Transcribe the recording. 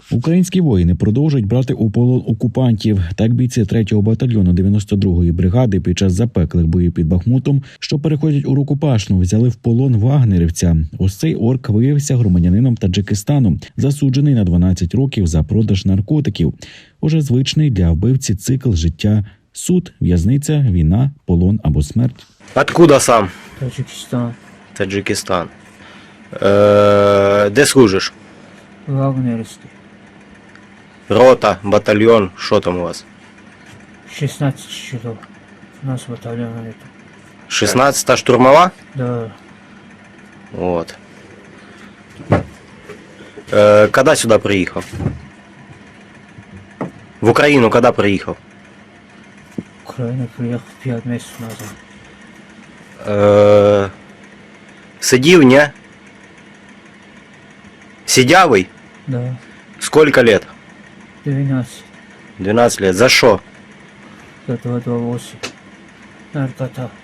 Українські воїни продовжують брати у полон окупантів. Так бійці 3-го батальйону 92-ї бригади під час запеклих боїв під Бахмутом, що переходять у Рукопашну, взяли в полон вагнерівця. Ось цей орк виявився громадянином Таджикистану, засуджений на 12 років за продаж наркотиків. Уже звичний для вбивці цикл життя: суд, в'язниця, війна, полон або смерть. Откуда сам? Таджикистан. Таджикистан. Де служиш? Вагнеровский. Рота, батальйон, що там у вас? 16 часов. У нас батальон это. 16-та штурмова? Да. Вот. Когда сюда приїхав? В Україну когда приїхав? Украина приехал 5 месяцев назад. Сидів, ні? Сидявий? Да. Сколько лет? 12. 12 лет. За що? За 228. Наркота.